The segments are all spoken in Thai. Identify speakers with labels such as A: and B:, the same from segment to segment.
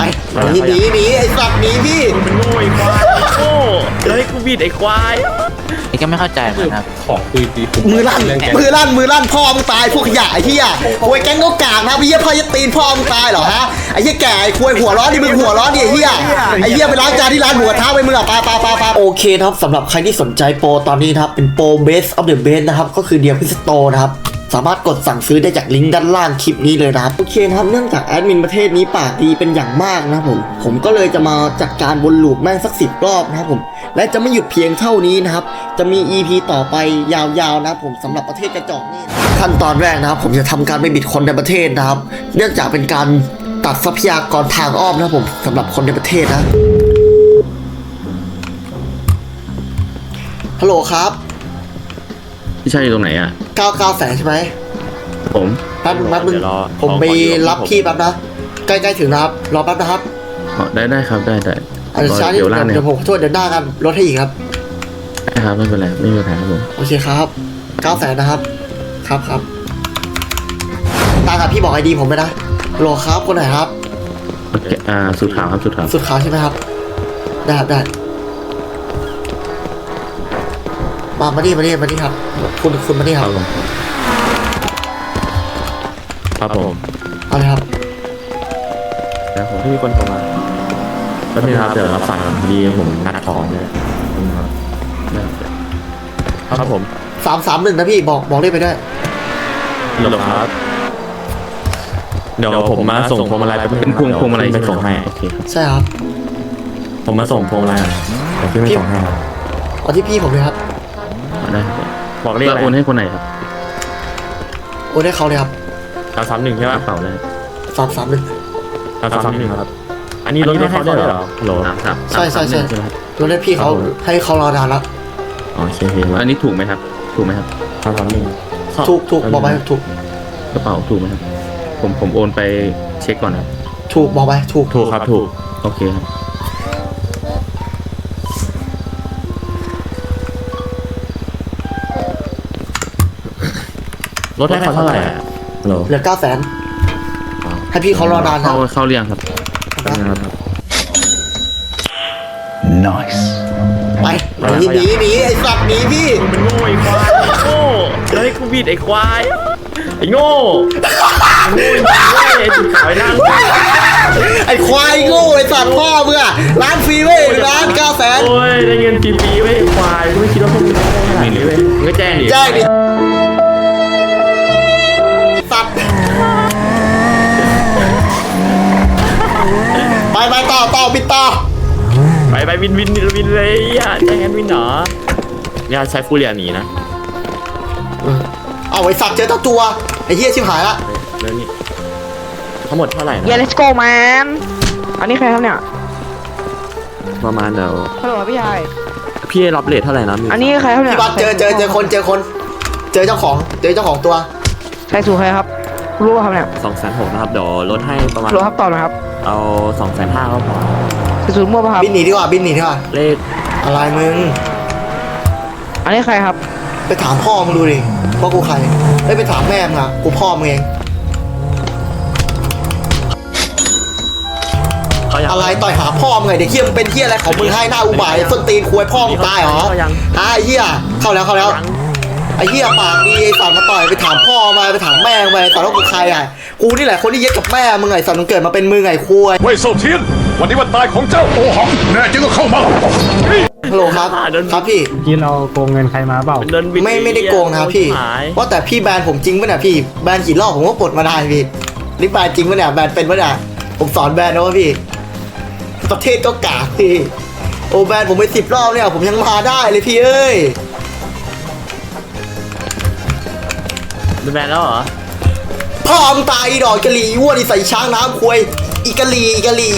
A: หนีไอ้สัตว์หนีพี่
B: มันโง่ไอ้ควายโง่เฮ้ยกูบิดไอ้ควาย
C: ไอ้ก็ไม่เข้าใจเหมือนกันครับ
D: ของคุยตี
A: มือลั่นพ่อมึงตายพวกขยะไอ้เหี้ยควยแก๊งก็กากนะพี่เหี้ยพ่อจะตีนพ่อมึงตายเหรอฮะไอ้เหี้ยแก่ไอ้ควยหัวร้อนดิมึงหัวร้อนดิไอ้เหี้ยไปล้างจานที่ร้านหมูกระทะไปมึงอ่ะปาโอเคครับสำหรับใครที่สนใจโปรตอนนี้นะครับเป็นโปร Best of the Best นะครับก็คือเดียวพิสโตนะครับสามารถกดสั่งซื้อได้จากลิงก์ด้านล่างคลิปนี้เลยนะครับโอเคนะครับเนื่องจากแอดมินประเทศนี้ปากดีเป็นอย่างมากนะครับผมก็เลยจะมาจัดการวนลูปแม่งสัก10 รอบนะครับผมและจะไม่หยุดเพียงเท่านี้นะครับจะมี EP ต่อไปยาวๆนะครับผมสำหรับประเทศกระจอกนี่ขั้นตอนแรกนะครับผมจะทำการไปบิดคนในประเทศนะครับเนื่องจากเป็นการตัดทรัพยากรทางอ้อมนะครับผมสำหรับคนในประเทศนะฮัลโหลครับ
B: พี่ชายอยู่ตรงไหนอ่ะ
A: 99 แสนใช่ไหม
B: ผม
A: แป๊บนึงผมไปรับพี่แป๊บนะใกล้ถึงนะครับรอแป๊บนะครับ
B: ได้ครับได้
A: เดี๋ยวผมช่วยเดินหน้ากันรถให้อีกครับ
B: ได้ครับไม่เป็นไรไม่มีปัญหาครับผม
A: โอเคครับ9 แสนนะครับครับตาครับพี่บอกไอดีผมไปนะโหลครับคนไหนครับ
B: สุดขาวครับสุด
A: ขาวใช่ไหมครับได้มานี่ครับคุณมานี่ครับ
B: ครับผม
A: เอาเลยครับ
B: แล้วผมที่มีคนโทรมาแล้วนี่ครับเดี๋ยวรับสายดีผมนัดของเลยครับผม
A: 331นะพี่บอกได้ไปด้วย
B: หรอครับเดี๋ยวผมมาส่งพวงมาลัยเป็นพวงมาลัยไปส่งให้โอเค
A: ใช่ครับ
B: ผมมาส่งพวงมาลัยเดี๋ยวพี่ไม่ส่งให้ครับ
A: เอาที่พี่ผมเลยครับ
B: ได้บอกเลขโอนให้คนไหนครับ
A: โอนให้เขาเลยครับ
B: 331ใช่ไหมเปล่าเลย
A: 331
B: ครับอันนี้รถให้เขาได้เหรอโหล
A: ใช่รถให้พี่เขาให้เขารอนานแล้ว
B: โอเคอันนี้ถูกไหมครับ331
A: ถูกบอกไปถูก
B: กระเป๋าถูกไหมครับผมโอนไปเช็คก่อนครับ
A: ถูกบอกไปถูก
B: ครับถูกโอเคครับรถให้เขาเท่าไหร่
A: เหลือ9 แสนให้พี่เขารอนานครับ
B: เข้าเรียงครับ
A: nice ไปหนีไอ้สัตว์หนีพี่
B: มันโง่ไอ้ควายโง่เฮ้ยกูบิดไอ้ควายไอ้โง่ไอ้จุดขาวนั่ง
A: ไอ้ควายโง่ไอ้สัตว์พ่อมึงอะร้านฟรีเว้ยร้าน9 แสน
B: โอ้ยได้เงินฟรีเว้ยไอ้ควายไม่คิดว่าพวกมึงได้ขนาดนี้เว้ยมึงก็แจ้งดิ
A: สัตว์ไปต่อบิดต่อ
B: ไปวินเลยอย่าแจ้งวินเหรออย่าใช้ฟูเรียหนีนะ
A: เอาไอ้สัตว์เจอตัวไอ้เหี้ยชิบหายละ
B: เรื่องนี้ทั้งหมดเท่าไหร่นะ
E: let's go man อันนี้ใครครับเนี่ย
B: ประมาณเดี๋ยว
E: ฮัลโหลพี่ชาย
B: พี่รับเรทเท่าไหร่นะ
E: อันนี้ใครครับเนี่ย
A: พี่บัสเจอคนเจอเจ้าของตัว
E: ใครสู่ใครครับรู้ป่ะครับเนี่ย
B: 260,000นะครับเดี๋ยวลดให้ประมาณ
E: รู้ครับต่อนะครับ
B: เอา250,000ก็พอ
E: สูตรมั่วป่ะครับ
A: บินหนีดีกว่า
B: เลข
A: อะไรมึง
E: อันนี้ใครครับ
A: ไปถามพ่อมึงดูดิว่ากูใครไปถามแม่มึงอะกูพ่อมึงเองอะไรต่อยหาพ่อมึงไงเด็กเหี้ยมึงเป็นเหี้ยอะไรของมึงให้หน้าอุบายส้นตีนควยพ่อมึงตายเหรอไอ้เหี้ยเข้าแล้วไอ้เหี้ยปากดีไอ้สัตว์มาต่อยไปถามพ่อมาไปถามแม่ไปสัตว์ว่ากูใครอ่ะกูนี่แหละคนที่เย็ดกับแม่มึงไงสัตว์มึงเกิดมาเป็นมึงไงคุย
D: เว่ยโซเทียนวันนี้วันตายของเจ้าโอหังแน่จริงก็เข้ามา
A: ฮัลโหลครับพี่
F: เราโกงเงินใครมาเปล่า
A: ไม่ได้โกงนะครับพี่ว่าแต่พี่แบนผมจริงป่ะเนี่ยพี่แบนกี่รอบผมก็ปลดมาได้พี่นี่แบนจริงป่ะเนี่ยแบนเป็นป่ะเนี่ยผมสอนแบนนะว่าพี่ประเทศก็กากพี่โอแบนผมไป10 รอบเนี่ยผมยังมาได้เลยพี่เอ้ย
B: แบนแล้วเหรอ
A: พ่อมึงตายดอกกะหรี่วัวนี่ใส่ช้างน้ำควยอีกะหรี่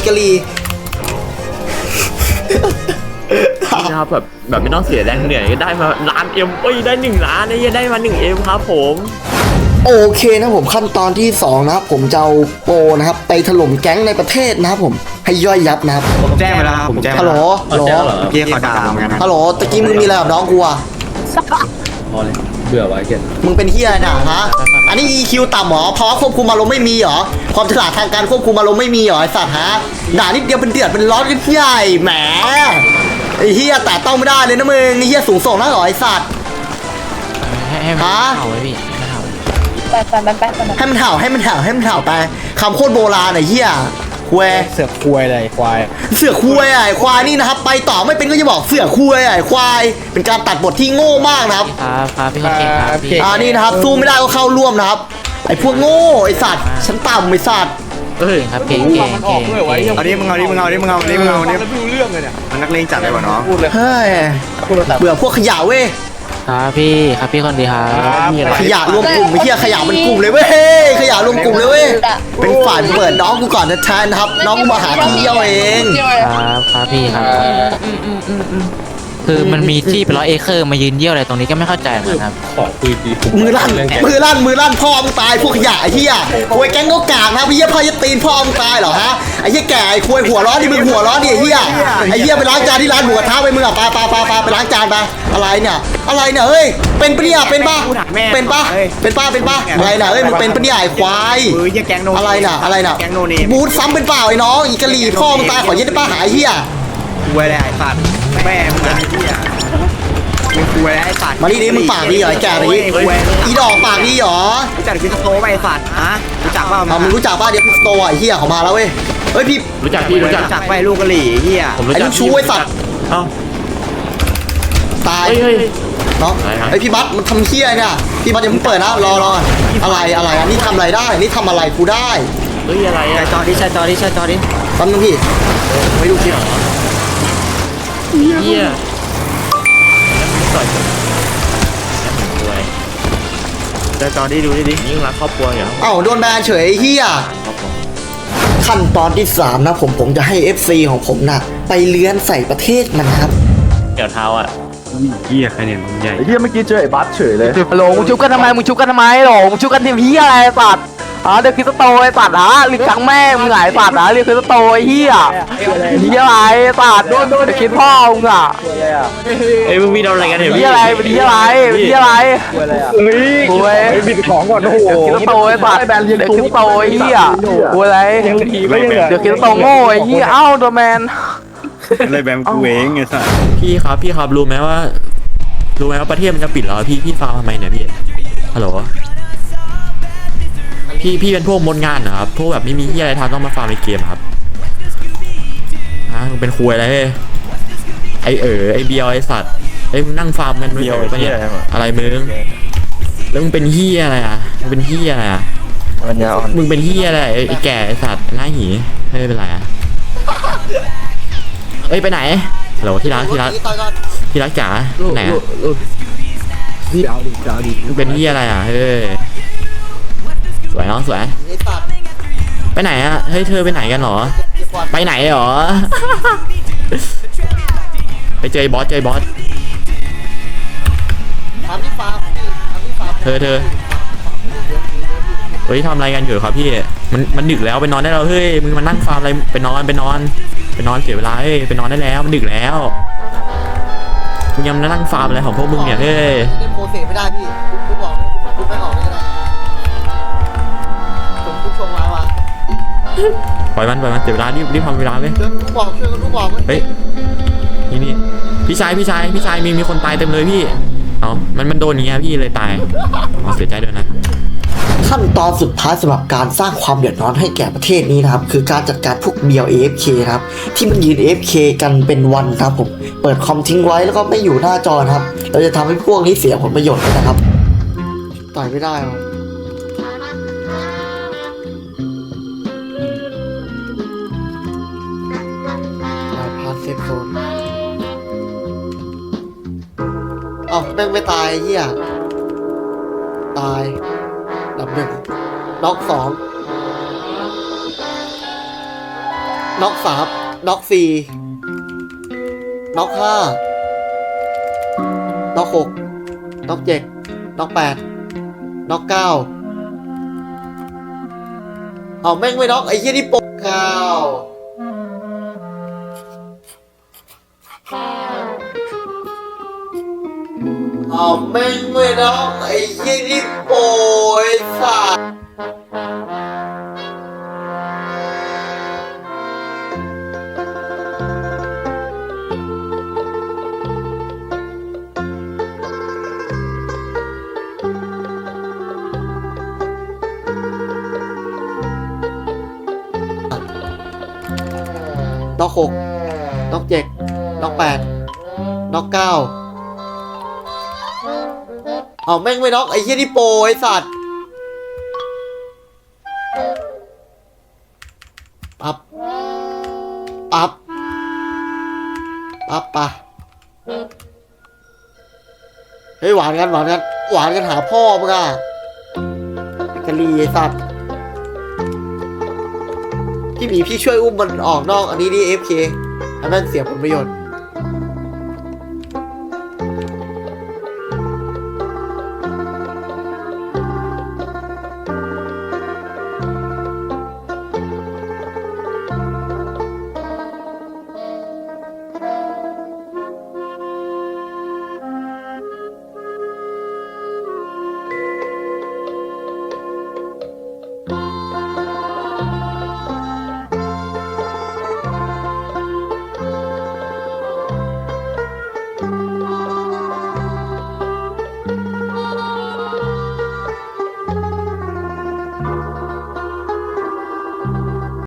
B: นะครับแบบไม่ต้องเสียแรงเหนื่อยก็ได้มา1,000,000ได้1 ล้านนี่ได้มา1Mครับผม
A: โอเคนะผมขั้นตอนที่2นะครับผมจะเอาโปรนะครับไปถล่มแก๊งในประเทศนะครับผมให้ย่อยยับนะครับ
F: ผมแจ้งไปแล้วครับผมแจ้ง
A: ฮัลโหล
F: เมื่อกี้เขาด่าเหมือนกัน
A: ฮัลโหลตะกี้มึงมีอะไรกับน้องกูอะ
B: เบื่อวะไอ้เกศ
A: มึงเป็นเฮียน่ะฮะอันนี้ EQ ต่ำเหรอเพราะควบคุมอารมณ์ไม่มีเหรอความฉลาดทางการควบคุมอารมณ์ไม่มีเหรอไอสัตว์ฮะด่านิดเดียวเป็นเดือดเป็นร้อนกันใหญ่แหมไอเฮียแต่ต้องไม่ได้เลยนะมึงไอเฮียสูงส่งนะเหรอไอสัตว์
C: ให้มัน
A: ฮะ
C: เห่าไว้พี่ไม่เห่า
A: ให้มันเห่าให้มันเห่าให้มันเห่าไปคำโคตรโบราณไอ้เหี้ยควาย
F: เสือกควยอะไรควาย
A: เสือควายไอ้ควายนี่นะครับ ไปต่อไม่เป็นก็จะบอกเสือควายไอ้ควายเป็นการตัดบทที่โง่มากนะครับ
C: ครับพี่เก่งครับพี่
A: นี่นะครับสู้ไม่ได้ก็เข้าร่วมนะครับไอ้พวกโง่ไอ้สัตว์ฉันต่ำไอ้สัตว์
B: เอ้ย
C: ครับเก่ง
F: เอาดิมึงเอาดิมึงเอาดิมึงเอาดิมึงเอาดิมันนักเลงจัดเลยว่ะน้อง
A: เฮ้ยเบื่อพวกขยะเว้ย
C: ครับพี่คนดีครับ
A: ขยะรวมกลุ่มไอ้เหี้ยขยะมันกลุ่มเลยเว้ยเฮ้ยขยะรวมกลุ่มเลยเว้ยเป็นฝ่ายเปิดน้องกูก่อนนะแทนนะครับ น้องกูมาหาทีเดียวเอง
C: ครับพี่ครับคือมันมีที่เป็น100 เอเคอร์มายืนเยี่ยวอะไรตรงนี้ก็ไม่เข้าใจเหมือนกันครับ
B: ขอคุยดี
A: มือลั่นพ่อมึงตายพวกขยะไอ้เหี้ยควยแก๊งก็กากนะไอ้เหี้ยพ่อจะตีนพ่อมึงตายเหรอฮะไอ้เหี้ยแก่ไอ้ควยหัวร้อนดิมึงหัวร้อนดิไอ้เหี้ยไอ้เหี้ยไปล้างจานที่ร้านหมูกระทะไปมึงอ่ะไปไปล้างจานไปอะไรเนี่ยเฮ้ยเป็นปะเนี่ยเป็นปะอะไรน่ะเฮ้ยมึงเป็นปะเนี่ยไอ้ควาย
F: ยังแกงโน
A: อะไรน่ะ
F: แกงโนเนม
A: บูทซ้ำเป็นเปล่าไอ้น้องอีกะหรี่พ่อมึงตายขอยึดได้ป้าหายเหี้ย
F: ควยอะไรไอ้สัตว์แม่มึงอะไรเนี่ยมึงควยอะไรไอ้สัตว์
A: มาดิมึงปากดีเหรอไอ้แก่นี้อีดอกปากดีเหรอ
F: รู้จักคิดโตไหมไอ้สัตว์ฮะรู้จักเปล่า
A: มึงรู้จักป้าเดี๋ยวพิสโตไอ้เหี้ยเขามาแล้วเว้ยเฮ้ยพี่
B: รู้จักพี่รู้จัก
F: รู้จักไปลูกกะหรี่เฮีย
B: ผมรู้จัก
A: ไอ้ลูกชู้ไอ้สัตว์
B: เอ้า
A: ตาย
B: เฮ้ย
A: เนาะ
B: อะไรครับ
A: ไอพี่บัสมันทำเฮี้ยเนี่ยพี่บัสอย่าเพิ่งเปิดนะรออะไรอันนี้ทำอะไรได้นี่ทำอะไรกูได้
B: เฮ้ยอะไร
F: ใช่
B: อ่ะ
F: จอดิใช่จอดิใช่จอดิ
A: แป๊บนึงพี่ไม่ดูคลิป
B: เฮียต่อยกันแล้วมึงรวย
F: ใช่จอดิดูดิ
B: ยิ่งรักครอบครัวอย่าง
A: เอ้าโดนแบนเฉยไอ้เฮี้ย
B: ครอบครัว
A: ขั้นตอนที่3นะผมจะให้ FC ของผมนะไปเลื้อนใส่ประเทศมันครับ
B: เกี่ยวเท้าอ่ะ
F: เฮียใครเนี่ยมึงใหญ่
D: ไอ้เหี้ยเมื่อกี้เจอไอ้บัสเฉยเลย
E: ฮัลโหลมึงชุบกันทำไมมึงชุบกันทำไมหรอมึงชุบกันทีมเฮียอะไรไอ้สัตว์เด็กคริสโตไอ้สัตว์เรียกจังแม่มึงไงไอ้สัตว์เรียกคริสโตไอ้เฮียเฮียอะไรไอ้สัตว์โดนเด็กคิดพ่อมึงอ่ะ
B: เอ้ยมึงมีอะไรกันเนี่ย
E: เฮียอะไรเป็นเฮียอะไรเป็นเฮียอะไรโอ้ย
D: บิดของก่อนโอ้โห
E: เด็กคริสโตไอ้สัตว์เด็กคริสโตไอ้เฮียโอ้ยอะไรเด็กคริสโตโง่ไอ้เฮียเอ้าโดแมน
F: อะไรแบบกูเองไงสัตว์
B: พี่ครับรู้ไหมว่าประเทศมันจะปิดแล้วพี่ฟาร์มทำไมเนี่ยพี่ฮัลโหลพี่เป็นพวกมดงานเหรอครับพวกแบบไม่มีที่อะไรทำต้องมาฟาร์มในเกมครับฮะมึงเป็นคุยอะไรเฮ้ยไอเบียวไอสัตว์ไอมึงนั่งฟาร์มกันเบียวปะเนี่ยอะไรมึงแล้วมึงเป็นเฮียอะไรอ่ะมึงเป็นเฮียอะไรอ่ะมึงเป็นเฮียอะไรไอแก่ไอสัตว์หน้าหีไม่เป็นไรอ่ะเอ้ยไปไหนฮัลโหลที่รักจ๋าไหนอ่ะมึงเป็นเฮียอะไรอ่ะเฮ้ยสวยน้องสวยไปไหนอ่ะเฮ้ยเธอไปไหนกันหรอไปไหนหรอ ไปเจอบอสเธอเฮ้ยทำอะไรกันอยู่ครับพี่มันดึกแล้วไปนอนได้แล้วเฮ้ยมึงมานั่งฟาร์มอะไรไปนอนเสียเวลาเฮ้ยไปนอนได้แล้วมันดึกแล้วมึงยังมานั่งฟาร์มอะไรของพวกมึงเนี่ยเฮ้ย
A: เล่นโปรเซสไม่ได้พี่กูบอกกูไม่ออกเลยก็ได้ผมกูชงมาว่ะ
B: ปล่อยมันเสียเวลารีบทำเวลาไหม
A: เดินกูบอกช่วยกันกูบอก
B: เฮ้ยนี่พี่ชายมีคนตายเต็มเลยพี่เอามันโดนอย่างเงี้ยพี่เลยตายเสียใจด้วยนะ
A: ขั้นตอนสุดท้ายสำหรับการสร้างความเดือดร้อนให้แก่ประเทศนี้นะครับคือการจัดการพวกเบียว AFK ครับที่มันยืน AFK กันเป็นวันครับผมเปิดคอมทิ้งไว้แล้วก็ไม่อยู่หน้าจอครับเราจะทำให้พวกนี้เสียผลประโยชน์นะครับต่อยไม่ได้หรอพาสเซฟโซนเอ้าแม่งไม่ตายเหี้ยตายดับหนึ่งน็อก2น็อก3น็อก4น็อก5น็อก6น็อก7น็อก8น็อก9เอาแม่งไม่น็อกไอ้เหี้ยนี่โป๊ก9ฮะเอาแม่งไม่น้องไอ้ยี่นี่โอ้ยสัตว์น็อก6น็อก7น็อก8น็อก9เอาแม่งไม่น็อกไอ้เหี้ยนี่โปรไอ้สัตว์ปั๊บปั๊บปั๊บปะเฮ้ยหวานกันหวานกันหวานกันหาพ่อมึงอะไอ้กะลีไอ้สัตว์พี่หมีพี่ช่วยอุ้มมันออกนอกอันนี้ดิ FK อันนั้นเสียผลประโยชน์